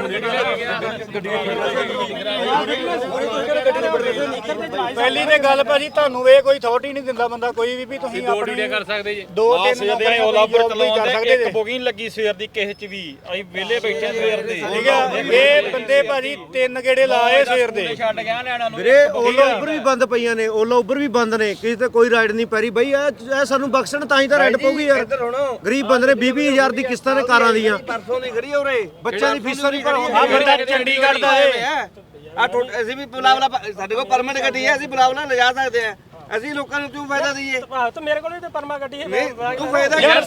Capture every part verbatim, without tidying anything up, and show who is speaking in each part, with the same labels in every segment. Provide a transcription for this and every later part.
Speaker 1: ਪਹਿਲੀ ਤੇ ਗੱਲ ਭਾਜੀ ਤੁਹਾਨੂੰ ਇਹ ਕੋਈ ਅਥਾਰਟੀ ਨਹੀਂ ਦਿੰਦਾ ਬੰਦਾ ਕੋਈ ਵੀ ਵੀ ਤੁਸੀਂ
Speaker 2: ਦੋ ਡਿਊਟੀਆਂ ਕਰ ਸਕਦੇ ਜੀ
Speaker 1: ਦੋ ਤਿੰਨ
Speaker 3: ਜਿਹੜੇ ਓਲਾ ਉੱਪਰ ਚਲਾਉਂਦੇ ਇੱਕ ਬੁਕਿੰਗ ਲੱਗੀ ਸਵੇਰ ਦੀ ਕਿਸੇ ਚ ਵੀ ਅਸੀਂ ਵਿਹਲੇ ਬੈਠੇ ਸਵੇਰ ਦੇ
Speaker 1: ਠੀਕ ਆ ਇਹ ਬੰਦੇ ਭਾਜੀ ਤਿੰਨ ਗੇੜੇ ਲਾਏ ਸਵੇਰ ਦੇ
Speaker 2: ਛੱਡ ਗਿਆ ਨਿਆਣਿਆਂ ਨੂੰ
Speaker 4: ਵੀਰੇ ਓਲਾ ਉੱਪਰ ਵੀ ਬੰਦ ਪਈਆਂ ਨੇ ਓਲਾ ਉੱਪਰ ਵੀ ਬੰਦ ਨੇ ਕਿਸੇ ਤੇ ਕੋਈ ਰਾਈਡ ਨਹੀਂ ਪੈ ਰਹੀ ਬਈ ਇਹ ਸਾਨੂੰ ਬਖਸ਼ਣ ਤਾਂ ਹੀ ਤਾਂ ਰਾਈਡ ਪਊਗੀ ਯਾਰ ਗਰੀਬ ਬੰਦੇ ਨੇ ਵੀਹ ਵੀਹ ਹਜ਼ਾਰ ਦੀ ਕਿਸ਼ਤਾਂ ਨੇ ਕਾਰਾਂ ਦੀਆਂ
Speaker 5: ਪਰਸੋਂ ਦੀ ਖੜੀ ਉਰੇ
Speaker 4: ਬੱਚਿਆਂ ਦੀ ਫੀਸਾਂ ਨਹੀਂ ਭਰੋ
Speaker 1: ਆ ਬੰਦਾ ਚੰਡੀਗੜ੍ਹ ਦਾ ਏ
Speaker 5: ਆ ਅਸੀਂ ਵੀ ਬੁਲਾਵਲਾ ਸਾਡੇ ਕੋਲ ਪਰਮਿਟ ਗੱਡੀ ਹੈ ਅਸੀਂ ਬੁਲਾਵਲਾ ਲਿਜਾ ਸਕਦੇ ਆ ਅਸੀਂ ਲੋਕਾਂ ਨੂੰ ਕਿਉਂ ਫਾਇਦਾ ਦਈਏ
Speaker 2: ਤਾਂ ਮੇਰੇ ਕੋਲ ਵੀ ਤੇ ਪਰਮਾ ਗੱਡੀ ਹੈ
Speaker 5: ਤੂੰ ਫਾਇਦਾ
Speaker 1: ਯਾਰ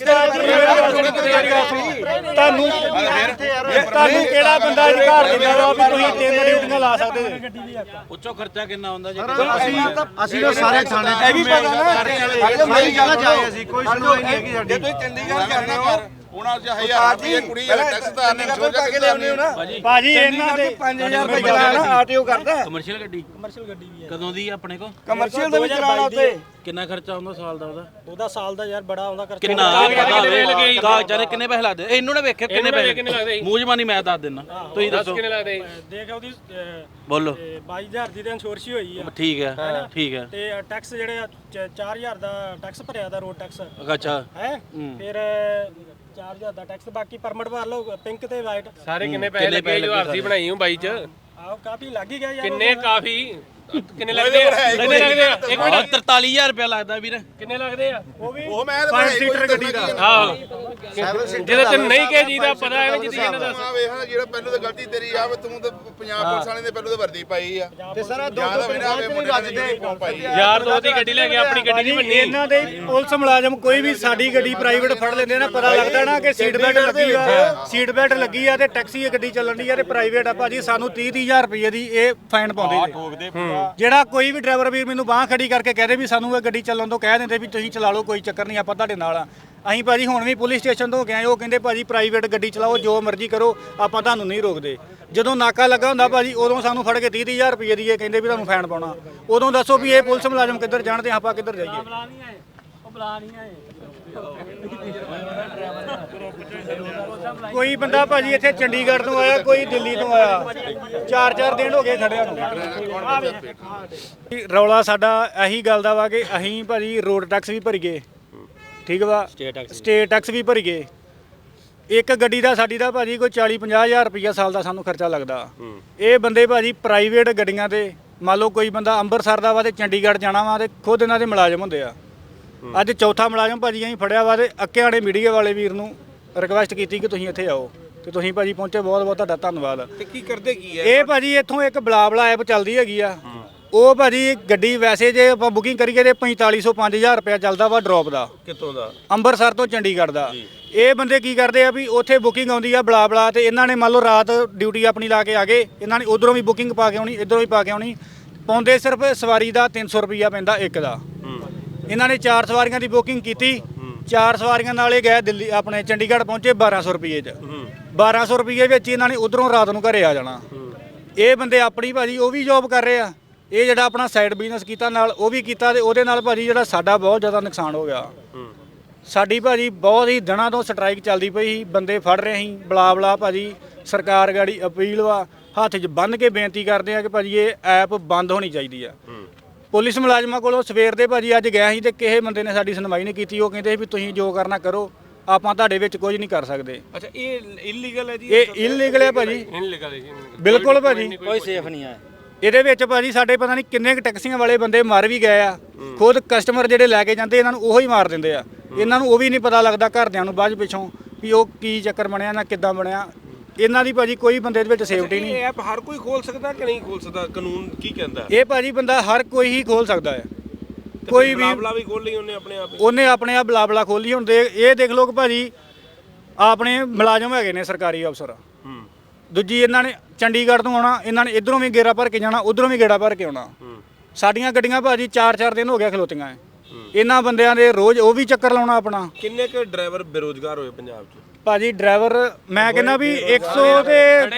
Speaker 1: ਤੁਹਾਨੂੰ ਤੁਹਾਨੂੰ ਕਿਹੜਾ ਬੰਦਾ ਅਧਿਕਾਰ ਦਿੰਦਾ ਵਾ ਵੀ ਤੁਸੀਂ ਤਿੰਨ ਡਿਊਟੀਆਂ ਲਾ ਸਕਦੇ
Speaker 3: ਉੱਚੋ ਖਰਚਾ ਕਿੰਨਾ ਹੁੰਦਾ ਜੀ
Speaker 4: ਅਸੀਂ ਅਸੀਂ ਤਾਂ ਸਾਰੇ ਥਾਣੇ
Speaker 5: ਇਹ ਵੀ ਪਤਾ ਨਾ
Speaker 4: ਸਾਰੀ ਜਗ੍ਹਾ ਜਾਏ ਅਸੀਂ ਕੋਈ ਸੁਣਵਾਈ ਨਹੀਂ ਹੈਗੀ ਸਾਡੀ
Speaker 5: ਜੇ ਤੁਸੀਂ ਚੰਡੀਗੜ੍ਹ ਜਾਂਦੇ ਹੋ
Speaker 6: ਉਹਨਾਂ ਚ ਹਜ਼ਾਰ ਰੁਪਏ ਕੁੜੀ ਟੈਕਸ ਦਾ ਨੇ
Speaker 5: ਜੋ ਪਾ ਕੇ ਲਿਆਉਂਦੇ ਹੋ ਨਾ
Speaker 1: ਭਾਜੀ ਇਹਨਾਂ ਦੇ
Speaker 5: ਪੰਜ ਹਜ਼ਾਰ ਰੁਪਏ ਚਲਾਣਾ ਆਰਟੀਓ ਕਰਦਾ
Speaker 3: ਕਮਰਸ਼ੀਅਲ ਗੱਡੀ ਕਮਰਸ਼ੀਅਲ ਗੱਡੀ ਵੀ ਹੈ ਕਦੋਂ ਦੀ ਆਪਣੇ ਕੋ
Speaker 5: ਕਮਰਸ਼ੀਅਲ ਦੇ ਵਿੱਚ ਚਲਾਣਾ ਉੱਤੇ
Speaker 3: ਕਿੰਨਾ ਖਰਚਾ ਆਉਂਦਾ ਸਾਲ ਦਾ ਉਹਦਾ
Speaker 2: ਉਹਦਾ ਸਾਲ ਦਾ ਯਾਰ ਬੜਾ ਆਉਂਦਾ ਖਰਚਾ
Speaker 3: ਕਿੰਨਾ ਕਾਗਜ਼ਾਂ ਕਿੰਨੇ ਪੈਸੇ ਲੱਗਦੇ ਇਹਨੂੰ ਨਾ ਵੇਖਿਓ ਕਿੰਨੇ ਪੈਸੇ ਮੂੰਹ ਜ਼ਬਾਨੀ ਮੈਂ ਦੱਸ ਦਿੰਦਾ ਤੁਸੀਂ ਦੱਸੋ
Speaker 2: ਕਿੰਨੇ ਲੱਗਦੇ ਦੇਖ ਉਹਦੀ
Speaker 3: ਬੋਲੋ
Speaker 2: ਬਾਈ ਹਜ਼ਾਰ ਦੀ ਤਾਂ ਇੰਸ਼ੋਰੈਂਸ ਹੋਈ ਆ
Speaker 3: ਠੀਕ ਹੈ ਠੀਕ ਹੈ
Speaker 2: ਤੇ ਟੈਕਸ ਜਿਹੜੇ ਆ ਚਾਰ ਹਜ਼ਾਰ ਦਾ ਟੈਕਸ ਭਰਿਆ ਦਾ ਰੋਡ ਟੈਕਸ
Speaker 3: ਅੱਛਾ
Speaker 2: ਹੈ ਫਿਰ ਚਾਰ ਹਜ਼ਾਰ ਦਾ ਟੈਕਸ ਬਾਕੀ ਪਰਮਿਟ ਭਰ ਲਓ ਪਿੰਕ ਤੇ ਵਾਈਟ
Speaker 7: ਸਾਰੇ ਕਿੰਨੇ ਪੈਸੇ ਲੱਗੇ ਜੋ ਆਰਸੀ ਬਣਾਈ ਹੂੰ ਬਾਈ ਚ
Speaker 2: ਆਹ ਕਾਫੀ ਲੱਗ ਹੀ ਗਿਆ ਯਾਰ
Speaker 7: ਕਿੰਨੇ ਕਾਫੀ ਕਿੰਨੇ ਲੱਗਦੇ ਆ ਕਿੰਨੇ ਲੱਗਦੇ ਆ ਇੱਕ ਮਿੰਟ
Speaker 3: ਤਰਤਾਲੀ ਹਜ਼ਾਰ ਰੁਪਇਆ ਲੱਗਦਾ ਵੀਰ
Speaker 7: ਕਿੰਨੇ ਲੱਗਦੇ ਆ
Speaker 1: ਉਹ ਵੀ
Speaker 6: ਉਹ ਮੈਂ
Speaker 1: ਪੰਜ ਸੀਟਰ ਗੱਡੀ ਦਾ
Speaker 7: ਆਹੋ ਜਿਹਦੇ ਤੇ ਨਹੀਂ ਕੇ ਜੀ ਦਾ ਪਤਾ ਐਵੇਂ ਜਿੱਦੀ ਇਹਨਾਂ ਦਾ
Speaker 6: ਆ ਵੇਖ ਨਾ ਜਿਹੜਾ ਪਹਿਲੋਂ ਤਾਂ ਗਲਤੀ ਤੇਰੀ ਆ ਵੀ ਤੂੰ ਤਾਂ ਪੰਜਾਬ ਪੁਲਿਸ ਵਾਲੇ ਨੇ ਪਹਿਲੋਂ ਤਾਂ ਵਰਦੀ ਪਾਈ ਆ
Speaker 4: ਤੇ ਸਾਰਾ ਦੋ
Speaker 6: ਯਾਦ
Speaker 4: ਦੋ
Speaker 6: ਹੋਵੇ ਨਾ ਵੇ ਮੁੰਡੇ ਨੇ ਯੂਨੀਫਾਰਮ ਪਾਈ ਆ
Speaker 7: ਯਾਰ ਦੋ ਦੀ ਗੱਡੀ ਲੈ ਕੇ ਆਪਣੀ ਗੱਡੀ ਨਹੀਂ ਬੰਨੀ
Speaker 1: ਇਹਨਾਂ ਦੇ ਪੁਲਿਸ ਮੁਲਾਜ਼ਮ ਕੋਈ ਵੀ ਸਾਡੀ ਗੱਡੀ ਪ੍ਰਾਈਵੇਟ ਫੜ ਲੈਂਦੇ ਨਾ ਪਤਾ ਲੱਗਦਾ ਨਾ ਕਿ ਸੀਟ ਬੈਲਟ ਲੱਗੀ ਆ ਸੀਟ ਬੈਲਟ ਲੱਗੀ ਆ ਤੇ ਟੈਕਸੀ ਗੱਡੀ ਚੱਲਣ ਦੀ ਆ ਤੇ ਪ੍ਰਾਈਵੇਟ ਆ ਭਾਜੀ ਸਾਨੂੰ ਤੀਹ ਤੀਹ ਹਜ਼ਾਰ ਰੁਪਏ ਦੀ ਇਹ ਫਾਈਨ ਪਾਉਂਦੇ ਜੀ ਜਿਹੜਾ ਕੋਈ ਵੀ ਡਰਾਈਵਰ ਵੀਰ ਮੈਨੂੰ ਬਾਹ ਖੜੀ ਕਰਕੇ ਕਹਦੇ ਵੀ ਸਾਨੂੰ ਇਹ ਗੱਡੀ ਚੱਲਣ ਤੋਂ ਕਹਿ ਦਿੰਦੇ ਵੀ ਤੁਸੀਂ ਚਲਾ ਲਓ ਕੋਈ ਚੱਕਰ ਨਹੀਂ ਆਪਾਂ ਤੁਹਾਡੇ ਨਾਲ ਆ ਅਸੀਂ ਭਾਜੀ ਹੁਣ ਵੀ ਪੁਲਿਸ ਸਟੇਸ਼ਨ ਤੋਂ ਗਏ ਉਹ ਕਹਿੰਦੇ ਭਾਜੀ ਪ੍ਰਾਈਵੇਟ ਗੱਡੀ ਚਲਾਓ ਜੋ ਮਰਜ਼ੀ ਕਰੋ ਆਪਾਂ ਤੁਹਾਨੂੰ ਨਹੀਂ ਰੋਕਦੇ ਜਦੋਂ ਨਾਕਾ ਲੱਗਾ ਹੁੰਦਾ ਭਾਜੀ ਉਦੋਂ ਸਾਨੂੰ ਫੜ ਕੇ ਤੀਹ ਤੀਹ ਹਜ਼ਾਰ ਰੁਪਏ ਦੀ ਇਹ ਕਹਿੰਦੇ ਵੀ ਤੁਹਾਨੂੰ ਫਾਈਨ ਪਾਉਣਾ ਉਦੋਂ ਦੱਸੋ ਵੀ ਇਹ ਪੁਲਿਸ ਮੁਲਾਜ਼ਮ ਕਿੱਧਰ ਜਾਣਦੇ ਆਪਾਂ ਕਿੱਧਰ ਜਾਈਏ
Speaker 2: ਉਹ ਬੁਲਾ ਨਹੀਂ ਆਏ
Speaker 1: ਕੋਈ ਬੰਦਾ ਭਾਜੀ ਇੱਥੇ ਚੰਡੀਗੜ੍ਹ ਤੋਂ ਆਇਆ ਕੋਈ ਦਿੱਲੀ ਤੋਂ ਆਇਆ ਚਾਰ ਚਾਰ ਦਿਨ ਹੋ ਗਏ ਖੜਿਆ ਨੂੰ ਰੌਲਾ ਸਾਡਾ ਇਹੀ ਗੱਲ ਦਾ ਵਾ ਕਿ ਅਸੀਂ ਭਾਜੀ ਰੋਡ ਟੈਕਸ ਵੀ ਭਰੀਏ ਠੀਕ ਵਾ ਸਟੇਟ ਟੈਕਸ ਵੀ ਭਰੀਏ ਇੱਕ ਗੱਡੀ ਦਾ ਸਾਡੀ ਦਾ ਭਾਜੀ ਕੋਈ ਚਾਲੀ ਪੰਜਾਹ ਹਜ਼ਾਰ ਰੁਪਈਆ ਸਾਲ ਦਾ ਸਾਨੂੰ ਖਰਚਾ ਲੱਗਦਾ ਇਹ ਬੰਦੇ ਭਾਜੀ ਪ੍ਰਾਈਵੇਟ ਗੱਡੀਆਂ ਤੇ ਮੰਨ ਲਓ ਕੋਈ ਬੰਦਾ ਅੰਮ੍ਰਿਤਸਰ ਦਾ ਵਾ ਤੇ ਚੰਡੀਗੜ੍ਹ ਜਾਣਾ ਵਾ ਤੇ ਖੁਦ ਇਹਨਾਂ ਦੇ ਮੁਲਾਜ਼ਮ ਹੁੰਦੇ ਆ ਅੱਜ ਚੌਥਾ ਮੁਲਾਜ਼ਮ ਭਾਜੀ ਅਸੀਂ ਫੜਿਆ ਵਾ ਤੇ ਅੱਕਿਆੜੇ ਮੀਡੀਆ ਵਾਲੇ ਵੀਰ ਨੂੰ ਰਿਕਵੈਸਟ ਕੀਤੀ ਕਿ ਤੁਸੀਂ ਇੱਥੇ ਆਓ ਤੇ ਤੁਸੀਂ ਭਾਜੀ ਪਹੁੰਚੇ ਬਹੁਤ ਬਹੁਤ ਤੁਹਾਡਾ ਧੰਨਵਾਦ
Speaker 5: ਤੇ ਕੀ ਕਰਦੇ ਕੀ ਹੈ
Speaker 1: ਇਹ ਭਾਜੀ ਇੱਥੋਂ ਇੱਕ ਬਲਾਬਲਾ ਐਪ ਚੱਲਦੀ ਹੈਗੀ ਆ ਉਹ ਭਾਜੀ ਗੱਡੀ ਵੈਸੇ ਜੇ ਆਪਾਂ ਬੁਕਿੰਗ ਕਰੀਏ ਤੇ ਪੰਤਾਲੀ ਸੌ ਪੰਜ ਹਜ਼ਾਰ ਰੁਪਇਆ ਚੱਲਦਾ ਵਾ ਡ੍ਰੌਪ ਦਾ
Speaker 5: ਕਿੱਥੋਂ ਦਾ
Speaker 1: ਅੰਮ੍ਰਿਤਸਰ ਤੋਂ ਚੰਡੀਗੜ੍ਹ ਦਾ ਇਹ ਬੰਦੇ ਕੀ ਕਰਦੇ ਆ ਵੀ ਉੱਥੇ ਬੁਕਿੰਗ ਆਉਂਦੀ ਆ ਬਲਾਬਲਾ ਤੇ ਇਹਨਾਂ ਨੇ ਮੰਨ ਲਓ ਰਾਤ ਡਿਊਟੀ ਆਪਣੀ ਲਾ ਕੇ ਆ ਗਏ ਇਹਨਾਂ ਨੇ ਉਧਰੋਂ ਵੀ ਬੁਕਿੰਗ ਪਾ ਕੇ ਆਉਣੀ ਇਧਰੋਂ ਵੀ ਪਾ ਕੇ ਆਉਣੀ ਪਾਉਂਦੇ ਸਿਰਫ ਸਵਾਰੀ ਦਾ ਤਿੰਨ ਸੌ ਰੁਪਈਆ ਪੈਂਦਾ ਇੱਕ ਦਾ ਇਹਨਾਂ ਨੇ ਚਾਰ ਸਵਾਰੀਆਂ ਦੀ ਬੁਕਿੰਗ ਕੀਤੀ ਚਾਰ ਸਵਾਰੀਆਂ ਨਾਲੇ ਗਏ ਦਿੱਲੀ ਆਪਣੇ ਚੰਡੀਗੜ੍ਹ ਪਹੁੰਚੇ ਬਾਰਾਂ ਸੌ ਰੁਪਏ 'ਚ ਬਾਰਾਂ ਸੌ ਰੁਪਏ ਵਿੱਚ ਇਹਨਾਂ ਨੇ ਉਧਰੋਂ ਰਾਤ ਨੂੰ ਘਰੇ ਆ ਜਾਣਾ ਇਹ ਬੰਦੇ ਆਪਣੀ ਭਾਜੀ ਉਹ ਵੀ ਜੋਬ ਕਰ ਰਹੇ ਆ ਇਹ ਜਿਹੜਾ ਆਪਣਾ ਸਾਈਡ ਬਿਜ਼ਨਸ ਕੀਤਾ ਨਾਲ ਉਹ ਵੀ ਕੀਤਾ ਤੇ ਉਹਦੇ ਨਾਲ ਭਾਜੀ ਜਿਹੜਾ ਸਾਡਾ ਬਹੁਤ ਜ਼ਿਆਦਾ ਨੁਕਸਾਨ ਹੋ ਗਿਆ ਸਾਡੀ ਭਾਜੀ ਬਹੁਤ ਹੀ ਦਿਨਾਂ ਤੋਂ ਸਟ੍ਰਾਈਕ ਚੱਲਦੀ ਪਈ ਸੀ ਬੰਦੇ ਫੜ ਰਹੇ ਸੀ ਬਲਾ ਬਲਾ ਭਾਜੀ ਸਰਕਾਰ ਗਾੜੀ ਅਪੀਲ ਵਾ ਹੱਥ 'ਚ ਬੰਨ੍ਹ ਕੇ ਬੇਨਤੀ ਕਰਦੇ ਆ ਕਿ ਭਾਜੀ ਇਹ ਐਪ ਬੰਦ ਹੋਣੀ ਚਾਹੀਦੀ ਆ ਪੁਲਿਸ ਮੁਲਾਜ਼ਮਾਂ ਕੋਲੋਂ ਸਵੇਰ ਦੇ ਭਾਜੀ ਅੱਜ ਗਿਆ ਸੀ ਤੇ ਕਿਸੇ ਬੰਦੇ ਨੇ ਸਾਡੀ ਸੁਣਵਾਈ ਨਹੀਂ ਕੀਤੀ ਉਹ ਕਹਿੰਦੇ ਵੀ ਤੁਸੀਂ ਜੋ ਕਰਨਾ ਕਰੋ ਆਪਾਂ ਤੁਹਾਡੇ ਵਿੱਚ ਕੁਝ ਨਹੀਂ ਕਰ ਸਕਦੇ
Speaker 5: ਅੱਛਾ ਇਹ ਇਲੀਗਲ ਹੈ ਜੀ
Speaker 1: ਇਹ ਇਲੀਗਲ ਹੈ ਭਾਜੀ
Speaker 7: ਇਨਲੀਗਲ ਹੈ ਜੀ
Speaker 1: ਬਿਲਕੁਲ ਭਾਜੀ
Speaker 3: ਕੋਈ ਸੇਫ ਨਹੀਂ ਹੈ
Speaker 1: ਇਹਦੇ ਵਿੱਚ ਭਾਜੀ ਸਾਡੇ ਪਤਾ ਨਹੀਂ ਕਿੰਨੇ ਕੁ ਟੈਕਸੀਆਂ ਵਾਲੇ ਬੰਦੇ ਮਰ ਵੀ ਗਏ ਆ ਖੁਦ ਕਸਟਮਰ ਜਿਹੜੇ ਲੈ ਕੇ ਜਾਂਦੇ ਇਹਨਾਂ ਨੂੰ ਉਹੀ ਮਾਰ ਦਿੰਦੇ ਆ ਇਹਨਾਂ ਨੂੰ ਉਹ ਵੀ ਨਹੀਂ ਪਤਾ ਲੱਗਦਾ ਘਰਦਿਆਂ ਨੂੰ ਬਾਅਦ ਪਿੱਛੋਂ ਵੀ ਉਹ ਕੀ ਚੱਕਰ ਬਣਿਆ ਨਾ ਕਿੱਦਾਂ ਬਣਿਆ ਇਹਨਾਂ ਦੀ ਭਾਜੀ ਕੋਈ ਬੰਦੇ ਦੇ ਵਿੱਚ ਸੇਫਟੀ ਨਹੀਂ
Speaker 5: ਇਹ ਐਪ ਹਰ ਕੋਈ ਖੋਲ ਸਕਦਾ ਕਿ ਨਹੀਂ ਖੋਲ ਸਕਦਾ ਕਾਨੂੰਨ ਕੀ ਕਹਿੰਦਾ
Speaker 1: ਇਹ ਭਾਜੀ ਬੰਦਾ ਹਰ ਕੋਈ ਹੀ ਖੋਲ ਸਕਦਾ ਹੈ ਕੋਈ ਵੀ
Speaker 5: ਬਲਾਬਲਾ ਵੀ ਖੋਲ ਲਈ ਉਹਨੇ ਆਪਣੇ ਆਪ
Speaker 1: ਉਹਨੇ ਆਪਣੇ ਆਪ ਬਲਾਬਲਾ ਖੋਲੀ ਹੁਣ ਦੇ ਇਹ ਦੇਖ ਲਓ ਕਿ ਭਾਜੀ ਆਪਣੇ ਮੁਲਾਜ਼ਮ ਹੈਗੇ ਨੇ ਸਰਕਾਰੀ ਅਫਸਰ ਦੂਜੀ ਇਹਨਾਂ ਨੇ ਚੰਡੀਗੜ੍ਹ ਤੋਂ ਆਉਣਾ ਇਹਨਾਂ ਨੇ ਇਧਰੋਂ ਵੀ ਗੇੜਾ ਭਰ ਕੇ ਜਾਣਾ ਉਧਰੋਂ ਵੀ ਗੇੜਾ ਭਰ ਕੇ ਆਉਣਾ ਸਾਡੀਆਂ ਗੱਡੀਆਂ ਭਾਜੀ ਚਾਰ ਚਾਰ ਦਿਨ ਹੋ ਗਿਆ ਖਲੋਤੀਆਂ ਇਹਨਾਂ ਬੰਦਿਆਂ ਦੇ ਰੋਜ਼ ਉਹ ਵੀ ਚੱਕਰ ਲਾਉਣਾ ਆਪਣਾ
Speaker 5: ਕਿੰਨੇ ਕੁ ਡਰਾਈਵਰ ਬੇਰੋਜ਼ਗਾਰ ਹੋਏ ਪੰਜਾਬ 'ਚ
Speaker 1: ਭਾਜੀ ਡਰਾਈਵਰ ਮੈਂ ਕਹਿੰਦਾ ਵੀ ਇੱਕ ਸੌ ਤੇ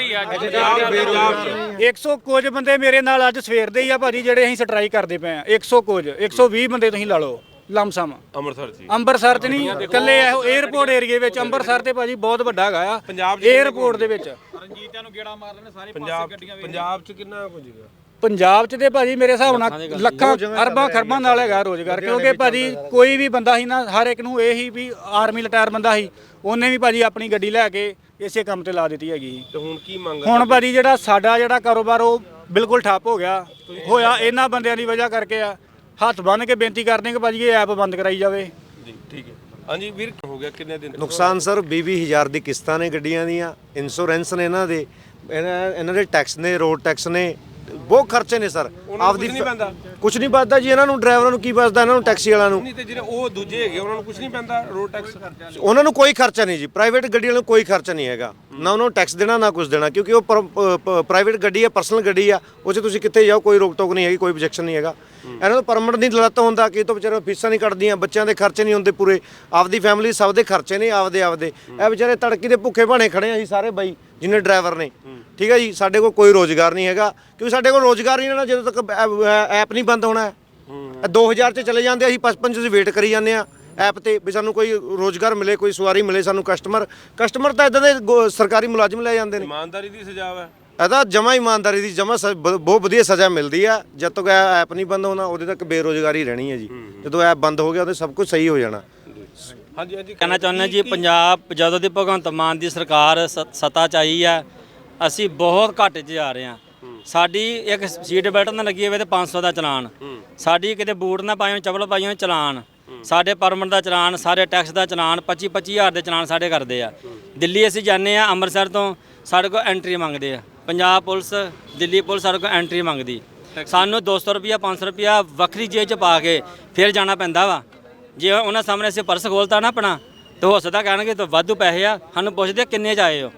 Speaker 1: ਇੱਕ ਸੌ ਕੁਝ ਬੰਦੇ ਮੇਰੇ ਨਾਲ ਅੱਜ ਸਵੇਰ ਦੇ ਹੀ ਆ ਭਾਜੀ ਜਿਹੜੇ ਅਸੀਂ ਸਟ੍ਰਾਈਕ ਕਰਦੇ ਪਏ ਆ ਇੱਕ ਸੌ ਕੁਝ ਇੱਕ ਸੌ ਵੀਹ ਬੰਦੇ ਤੁਸੀਂ ਲਾ ਲਓ ਲਮਸਮ
Speaker 7: ਅੰਮ੍ਰਿਤਸਰ ਚ
Speaker 1: ਅੰਮ੍ਰਿਤਸਰ 'ਚ ਨਹੀਂ ਇਕੱਲੇ ਇਹੋ 에ਅਰਪੋਰਟ ਏਰੀਏ ਵਿੱਚ ਅੰਮ੍ਰਿਤਸਰ ਤੇ ਭਾਜੀ ਬਹੁਤ ਵੱਡਾ ਹੈਗਾ ਆ
Speaker 7: ਪੰਜਾਬ 'ਚ
Speaker 1: 에ਅਰਪੋਰਟ ਦੇ ਵਿੱਚ
Speaker 7: ਪੰਜਾਬ ਪੰਜਾਬ ਚ ਕਿੰਨਾ ਕੁ ਜੀਗਾ
Speaker 1: ਪੰਜਾਬ 'ਚ ਤੇ ਭਾਜੀ ਮੇਰੇ ਹਿਸਾਬ ਨਾਲ ਲੱਖਾਂ ਅਰਬਾਂ ਖਰਬਾਂ ਨਾਲ ਹੈਗਾ ਰੋਜ਼ਗਾਰ ਕਿਉਂਕਿ ਭਾਜੀ ਕੋਈ ਵੀ ਬੰਦਾ ਸੀ ਨਾ ਹਰ ਇੱਕ ਨੂੰ ਇਹ ਹੀ ਵੀ ਆਰਮੀ ਰਿਟਾਇਰ ਬੰਦਾ ਸੀ ਉਹਨੇ ਵੀ ਭਾਜੀ ਆਪਣੀ ਗੱਡੀ ਲੈ ਕੇ ਇਸੇ ਕੰਮ ਤੇ ਲਾ ਦਿੱਤੀ ਹੈਗੀ ਸੀ।
Speaker 7: ਤੇ ਹੁਣ ਕੀ ਮੰਗ
Speaker 1: ਹੁਣ ਭਾਜੀ ਜਿਹੜਾ ਸਾਡਾ ਜਿਹੜਾ ਕਾਰੋਬਾਰ ਉਹ ਬਿਲਕੁਲ ਠੱਪ ਹੋ ਗਿਆ ਹੋਇਆ ਇਹਨਾਂ ਬੰਦਿਆਂ ਦੀ ਵਜ੍ਹਾ ਕਰਕੇ ਆ ਹੱਥ ਬੰਨ੍ਹ ਕੇ ਬੇਨਤੀ ਕਰਦੇ ਕਿ ਭਾਜੀ ਇਹ ਐਪ ਬੰਦ ਕਰਾਈ ਜਾਵੇ
Speaker 7: ਜੀ ਠੀਕ ਹੈ ਹਾਂਜੀ ਵੀਰ ਹੋ ਗਿਆ ਕਿੰਨੇ ਦਿਨ
Speaker 4: ਨੁਕਸਾਨ ਸਰ ਵੀਹ ਵੀਹ ਹਜ਼ਾਰ ਦੀ ਕਿਸ਼ਤਾਂ ਨੇ ਗੱਡੀਆਂ ਦੀਆਂ ਇੰਸ਼ੋਰੈਂਸ ਨੇ ਇਹਨਾਂ ਦੇ ਇਹਨਾਂ ਇਹਨਾਂ ਦੇ ਟੈਕਸ ਨੇ ਰੋਡ ਟੈਕਸ ਨੇ ਬਹੁਤ ਖਰਚੇ ਨੇ ਸਰ ਆਪਦੀ
Speaker 7: ਨਹੀਂ ਪੈਂਦਾ
Speaker 4: ਕੁਝ ਨਹੀਂ ਬਚਦਾ ਜੀ ਇਹਨਾਂ ਨੂੰ ਡਰਾਈਵਰਾਂ ਨੂੰ ਕੀ ਬਚਦਾ ਇਹਨਾਂ ਨੂੰ ਟੈਕਸੀ ਵਾਲਿਆਂ ਨੂੰ
Speaker 7: ਨਹੀਂ ਤੇ ਜਿਹੜੇ ਉਹ ਦੂਜੇ ਹੈਗੇ ਉਹਨਾਂ ਨੂੰ ਕੁਝ ਨਹੀਂ ਪੈਂਦਾ ਰੋਡ ਟੈਕਸ
Speaker 4: ਉਹਨਾਂ ਨੂੰ ਕੋਈ ਖਰਚਾ ਨਹੀਂ ਜੀ ਪ੍ਰਾਈਵੇਟ ਗੱਡੀ ਵਾਲਿਆਂ ਨੂੰ ਕੋਈ ਖਰਚਾ ਨਹੀਂ ਹੈਗਾ ਨਾ ਉਹਨਾਂ ਨੂੰ ਟੈਕਸ ਦੇਣਾ ਨਾ ਕੁਝ ਦੇਣਾ ਕਿਉਂਕਿ ਉਹ ਪ੍ਰਾਈਵੇਟ ਗੱਡੀ ਹੈ ਪਰਸਨਲ ਗੱਡੀ ਆ ਉਹ 'ਚ ਤੁਸੀਂ ਕਿੱਥੇ ਜਾਓ ਕੋਈ ਰੋਕ ਟੋਕ ਨਹੀਂ ਹੈਗੀ ਕੋਈ objection ਨਹੀਂ ਹੈਗਾ ਇਹਨਾਂ ਨੂੰ ਪਰਮਿਟ ਨਹੀਂ ਲੱਤ ਹੁੰਦਾ ਕਿ ਤੋਂ ਵਿਚਾਰੇ ਫੀਸਾਂ ਨਹੀਂ ਕੱਟਦੀਆਂ ਬੱਚਿਆਂ ਦੇ ਖਰਚੇ ਨਹੀਂ ਹੁੰਦੇ ਪੂਰੇ ਆਪਦੀ ਫੈਮਿਲੀ ਸਭ ਦੇ ਖਰਚੇ ਨੇ ਆਪਦੇ ਆਪਦੇ ਇਹ ਵਿਚਾਰੇ ਤੜਕੀ ਦੇ ਭੁੱਖੇ ਭਾਣੇ ਖੜੇ ਆ ਜੀ ਸਾਰੇ ਬਾਈ ਜਿੰਨੇ ਡਰਾਈਵਰ ਨੇ ਠੀਕ ਹੈ ਜੀ ਸਾਡੇ ਕੋਲ ਕੋਈ ਰੋਜ਼ਗਾਰ ਨਹੀਂ ਹੈਗਾ ਕਿਉਂਕਿ ਸਾਡੇ ਕੋਲ ਰੋਜ਼ਗਾਰ ਹੀ ਨਾ ਜਦੋਂ ਤੱਕ ਐਪ ਨਹੀਂ ਬੰਦ ਹੋਣਾ ਹੈ ਦੋ ਹਜ਼ਾਰ 'ਚ ਚਲੇ ਜਾਂਦੇ ਅਸੀਂ ਪਚਪਨ 'ਚ ਵੇਟ ਕਰੀ ਜਾਂਦੇ ਆ ਐਪ ਤੇ ਵੀ ਸਾਨੂੰ ਕੋਈ ਰੋਜ਼ਗਾਰ ਮਿਲੇ ਕੋਈ ਸਵਾਰੀ ਮਿਲੇ ਸਾਨੂੰ ਕਸਟਮਰ ਕਸਟਮਰ ਤਾਂ ਇਦਾਂ ਦੇ ਗੋ- ਸਰਕਾਰੀ ਮੁਲਾਜ਼ਮ ਲੈ ਜਾਂਦੇ ਨੇ
Speaker 7: ਇਮਾਨਦਾਰੀ ਦੀ ਸਜ਼ਾ ਹੈ
Speaker 4: ਇਹਦਾ ਜਮਾ ਇਮਾਨਦਾਰੀ ਦੀ ਜਮਾ ਬਹੁਤ ਵਧੀਆ ਸਜ਼ਾ ਮਿਲਦੀ ਆ ਜਦ ਤੱਕ ਇਹ ਐਪ ਨਹੀਂ ਬੰਦ ਹੋਣਾ ਉਹਦੇ ਤੱਕ ਬੇਰੋਜ਼ਗਾਰੀ ਰਹਿਣੀ ਹੈ ਜੀ ਜਦੋਂ ਐਪ ਬੰਦ ਹੋ ਗਿਆ ਉਹਦੇ ਸਭ ਕੁਝ ਸਹੀ ਹੋ ਜਾਣਾ
Speaker 7: ਹਾਂਜੀ ਹਾਂਜੀ
Speaker 8: ਕਹਿਣਾ ਚਾਹੁੰਦੇ ਜੀ ਪੰਜਾਬ ਜਦੋਂ ਦੀ ਭਗਵੰਤ ਮਾਨ ਦੀ ਸਰਕਾਰ ਸ- ਸੱਤਾ 'ਚ ਆਈ ਆ ਅਸੀਂ ਬਹੁਤ ਘਾਟੇ 'ਚ ਜਾ ਰਹੇ ਹਾਂ ਸਾਡੀ ਇੱਕ ਸੀਟ ਬੈਲਟ ਨਾ ਲੱਗੀ ਹੋਵੇ ਤੇ ਪੰਜ ਸੌ ਦਾ ਚਲਾਨ ਸਾਡੀ ਕਿਤੇ ਬੂਟ ਨਾ ਪਾਏ ਹੋਣ ਚੱਪਲ ਪਾਈ ਹੋਣ ਚਲਾਨ ਸਾਡੇ ਪਰਮਿਟ ਦਾ ਚਲਾਨ ਸਾਰੇ ਟੈਕਸ ਦਾ ਚਲਾਨ ਪੱਚੀ ਪੱਚੀ ਹਜ਼ਾਰ ਦੇ ਚਲਾਨ ਸਾਡੇ ਕਰਦੇ ਆ ਦਿੱਲੀ ਅਸੀਂ ਜਾਂਦੇ ਆ ਅੰਮ੍ਰਿਤਸਰ ਤੋਂ ਸਾਡੇ ਕੋਲ ਐਂਟਰੀ ਮੰਗਦੇ ਆ ਪੰਜਾਬ ਪੁਲਿਸ ਦਿੱਲੀ ਪੁਲਿਸ ਸਾਡੇ ਕੋਲ ਐਂਟਰੀ ਮੰਗਦੀ ਸਾਨੂੰ ਦੋ ਸੌ ਰੁਪਿਆ ਪੰਜ ਸੌ ਰੁਪਿਆ ਵੱਖਰੀ ਜੇਬ 'ਚ ਪਾ ਕੇ ਫਿਰ ਜਾਣਾ ਪੈਂਦਾ ਵਾ ਜੇ ਉਹਨਾਂ ਸਾਹਮਣੇ ਅਸੀਂ ਪਰਸ ਖੋਲਤਾ ਨਾ ਆਪਣਾ ਤਾਂ ਹੋ ਸਕਦਾ ਕਹਿਣਗੇ ਤਾਂ ਵਾਧੂ ਪੈਸੇ ਆ ਸਾਨੂੰ ਪੁੱਛਦੇ ਕਿੰਨੇ 'ਚ ਆਏ ਹੋ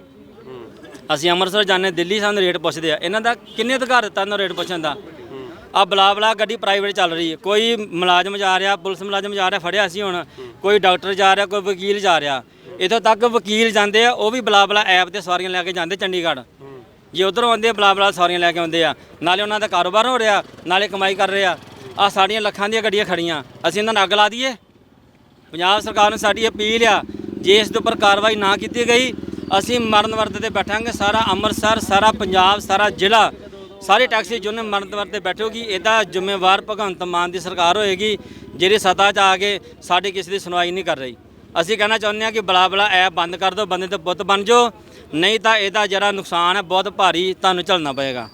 Speaker 8: ਅਸੀਂ ਅੰਮ੍ਰਿਤਸਰ ਜਾਂਦੇ ਦਿੱਲੀ ਸਾਨੂੰ ਰੇਟ ਪੁੱਛਦੇ ਆ ਇਹਨਾਂ ਦਾ ਕਿੰਨੇ ਅਧਿਕਾਰ ਦਿੱਤਾ ਇਹਨਾਂ ਰੇਟ ਪੁੱਛਣ ਦਾ ਆ ਬਲਾ ਬਲਾ ਗੱਡੀ ਪ੍ਰਾਈਵੇਟ ਚੱਲ ਰਹੀ ਹੈ ਕੋਈ ਮੁਲਾਜ਼ਮ ਜਾ ਰਿਹਾ ਪੁਲਿਸ ਮੁਲਾਜ਼ਮ ਜਾ ਰਿਹਾ ਫੜਿਆ ਸੀ ਹੁਣ ਕੋਈ ਡਾਕਟਰ ਜਾ ਰਿਹਾ ਕੋਈ ਵਕੀਲ ਜਾ ਰਿਹਾ ਇੱਥੋਂ ਤੱਕ ਵਕੀਲ ਜਾਂਦੇ ਆ ਉਹ ਵੀ ਬਲਾ ਬਲਾ ਐਪ ਤੇ ਸਵਾਰੀਆਂ ਲੈ ਕੇ ਜਾਂਦੇ ਚੰਡੀਗੜ੍ਹ ਜੇ ਉਧਰੋਂ ਆਉਂਦੇ ਆ ਬਲਾ ਬਲਾ ਸਵਾਰੀਆਂ ਲੈ ਕੇ ਆਉਂਦੇ ਆ ਨਾਲੇ ਉਹਨਾਂ ਦਾ ਕਾਰੋਬਾਰ ਹੋ ਰਿਹਾ ਨਾਲੇ ਕਮਾਈ ਕਰ ਰਹੇ ਆ ਆ ਸਾਡੀਆਂ ਲੱਖਾਂ ਦੀਆਂ ਗੱਡੀਆਂ ਖੜੀਆਂ ਅਸੀਂ ਇਹਨਾਂ ਨੂੰ ਅੱਗ ਲਾ ਦਈਏ ਪੰਜਾਬ ਸਰਕਾਰ ਨੂੰ ਸਾਡੀ ਅਪੀਲ ਆ ਜੇ ਇਸ ਦੇ ਉੱਪਰ ਕਾਰਵਾਈ ਨਾ ਕੀਤੀ ਗਈ ਅਸੀਂ ਮਰਨ ਵਰਤ ਤੇ ਬੈਠਾਂਗੇ ਸਾਰਾ ਅੰਮ੍ਰਿਤਸਰ ਸਾਰਾ ਪੰਜਾਬ ਸਾਰਾ ਜ਼ਿਲ੍ਹਾ ਸਾਰੇ ਟੈਕਸੀ ਜਿਹਨੇ ਮਰਨ ਵਰਤ ਤੇ ਬੈਠੋਗੀ ਇਹਦਾ ਜ਼ਿੰਮੇਵਾਰ ਭਗਵੰਤ ਮਾਨ ਦੀ ਸਰਕਾਰ ਹੋਏਗੀ ਜਿਹੜੀ ਸੱਤਾ 'ਚ ਆ ਕੇ ਸਾਡੀ ਕਿਸੇ ਦੀ ਸੁਣਵਾਈ ਨਹੀਂ ਕਰ ਰਹੀ ਅਸੀਂ ਕਹਿਣਾ ਚਾਹੁੰਦੇ ਹਾਂ ਕਿ ਬਲਾ ਬਲਾ ਐਪ ਬੰਦ ਕਰ ਦਿਓ ਬੰਦੇ ਤੇ ਪੁੱਤ ਬਣ ਜਾਓ ਨਹੀਂ ਤਾਂ ਇਹਦਾ ਜਿਹੜਾ ਨੁਕਸਾਨ ਹੈ ਬਹੁਤ ਭਾਰੀ ਤੁਹਾਨੂੰ ਝੱਲਣਾ ਪਏਗਾ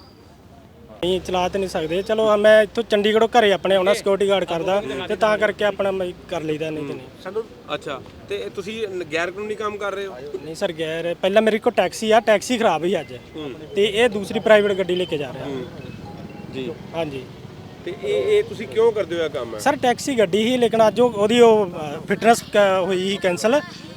Speaker 2: ਨਹੀਂ ਚਲਾ ਤੇ ਨਹੀਂ ਸਕਦੇ ਚਲੋ ਮੈਂ ਇੱਥੋਂ ਚੰਡੀਗੜ੍ਹੋਂ ਘਰੇ ਆਪਣੇ ਆਉਣਾ ਸਿਕਿਉਰਿਟੀ ਗਾਰਡ ਕਰਦਾ ਤੇ ਤਾਂ ਕਰਕੇ ਆਪਣਾ ਮੈਂ ਕਰ ਲਈਦਾ ਨਹੀਂ ਤੇ ਨਹੀਂ
Speaker 7: ਅੱਛਾ ਤੇ ਤੁਸੀਂ ਗੈਰ ਕਾਨੂੰਨੀ ਕੰਮ ਕਰ ਰਹੇ ਹੋ
Speaker 2: ਨਹੀਂ ਸਰ ਗੈਰ ਪਹਿਲਾਂ ਮੇਰੇ ਕੋਲ ਟੈਕਸੀ ਆ ਟੈਕਸੀ ਖਰਾਬ ਹੀ ਅੱਜ ਤੇ ਇਹ ਦੂਸਰੀ ਪ੍ਰਾਈਵੇਟ ਗੱਡੀ ਲੈ ਕੇ ਜਾ ਰਿਹਾ
Speaker 7: ਜੀ
Speaker 2: ਹਾਂਜੀ
Speaker 7: ਤੇ ਇਹ ਇਹ ਤੁਸੀਂ ਕਿਉਂ ਕਰਦੇ ਹੋ ਇਹ ਕੰਮ
Speaker 2: ਸਰ ਟੈਕਸੀ ਗੱਡੀ ਹੀ ਲੇਕਿਨ ਅੱਜ ਉਹ- ਉਹਦੀ ਉਹ ਫਿਟਨੈਸ ਹੋਈ ਸੀ ਕੈਂਸਲ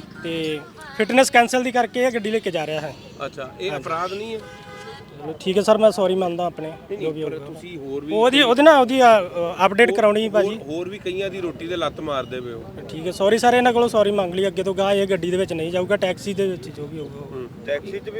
Speaker 2: ਤੇ ਫਿਟਨੈਸ ਕੈਂਸਲ ਦੀ ਕਰਕੇ ਇਹ ਗੱਡੀ ਲੈ ਕੇ ਜਾ ਰਿਹਾ ਹੈ
Speaker 7: ਅੱਛਾ ਇਹ ਅਪਰਾਧ ਨਹੀਂ ਹੈ
Speaker 2: ਚਲੋ ਠੀਕ ਹੈ ਸਰ ਮੈਂ ਸੌਰੀ ਮੰਨਦਾ ਆਪਣੇ ਜੋ ਵੀ ਹੋਊਗਾ
Speaker 7: ਤੁਸੀਂ ਹੋਰ ਵੀ
Speaker 2: ਉਹਦੀ ਉਹਦੇ ਨਾਲ ਉਹਦੀ ਅਪਡੇਟ ਕਰਾਉਣੀ ਭਾਜੀ
Speaker 7: ਹੋਰ ਵੀ ਕਈਆਂ ਦੀ ਰੋਟੀ ਦੇ ਲੱਤ ਮਾਰਦੇ ਪਏ ਹੋ
Speaker 2: ਠੀਕ ਹੈ ਸੌਰੀ ਸਰ ਇਹਨਾਂ ਕੋਲੋਂ ਸੌਰੀ ਮੰਗ ਲਈ ਅੱਗੇ ਤੋਂ ਗਾਹ ਇਹ ਗੱਡੀ ਦੇ ਵਿੱਚ ਨਹੀਂ ਜਾਊਗਾ ਟੈਕਸੀ ਦੇ ਵਿੱਚ ਜੋ ਵੀ ਹੋਊਗਾ
Speaker 7: ਟੈਕਸੀ 'ਚ ਵੀ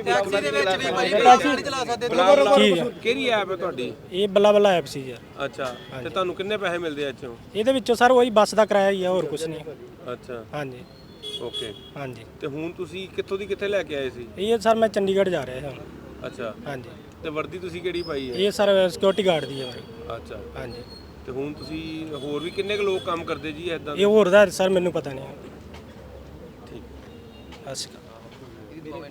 Speaker 2: ਠੀਕ ਹੈ
Speaker 7: ਕਿਹੜੀ ਐਪ ਹੈ ਤੁਹਾਡੀ
Speaker 2: ਇਹ ਬੱਲਾ ਬੱਲਾ ਐਪ ਸੀ ਯਾਰ
Speaker 7: ਅੱਛਾ ਤੇ ਤੁਹਾਨੂੰ ਕਿੰਨੇ ਪੈਸੇ ਮਿਲਦੇ ਆ ਇੱਥੋਂ
Speaker 2: ਇਹਦੇ ਵਿੱਚੋਂ ਸਰ ਉਹੀ ਬੱਸ ਦਾ ਕਿਰਾਇਆ ਹੀ ਆ ਹੋਰ ਕੁਝ ਨਹੀਂ
Speaker 7: ਅੱਛਾ
Speaker 2: ਹਾਂਜੀ
Speaker 7: ਓਕੇ
Speaker 2: ਹਾਂਜੀ
Speaker 7: ਤੇ ਹੁਣ ਤੁਸੀਂ ਕਿੱਥੋਂ ਦੀ ਕਿੱਥੇ ਲੈ ਕੇ ਆਏ ਸੀ
Speaker 2: ਇਹ ਸਰ ਮੈਂ ਚੰਡੀਗੜ੍ਹ ਜਾ ਰਿਹਾ ਹਾਂ
Speaker 7: ਅੱਛਾ
Speaker 2: ਹਾਂਜੀ
Speaker 7: ਤੇ ਵਰਦੀ ਤੁਸੀਂ ਕਿਹੜੀ ਪਾਈ ਹੈ
Speaker 2: ਇਹ ਸਰ ਸਿਕਿਉਰਿਟੀ ਗਾਰਡ ਦੀ ਹੈ ਮੇਰੀ
Speaker 7: ਅੱਛਾ
Speaker 2: ਹਾਂਜੀ
Speaker 7: ਤੇ ਹੁਣ ਤੁਸੀਂ ਹੋਰ ਵੀ ਕਿੰਨੇ ਕੁ ਲੋਕ ਕੰਮ ਕਰਦੇ ਜੀ ਐਦਾਂ
Speaker 2: ਇਹ ਹੋਰ ਦਾ ਸਰ ਮੈਨੂੰ ਪਤਾ ਨਹੀਂ
Speaker 7: ਠੀਕ
Speaker 2: ਅੱਛਾ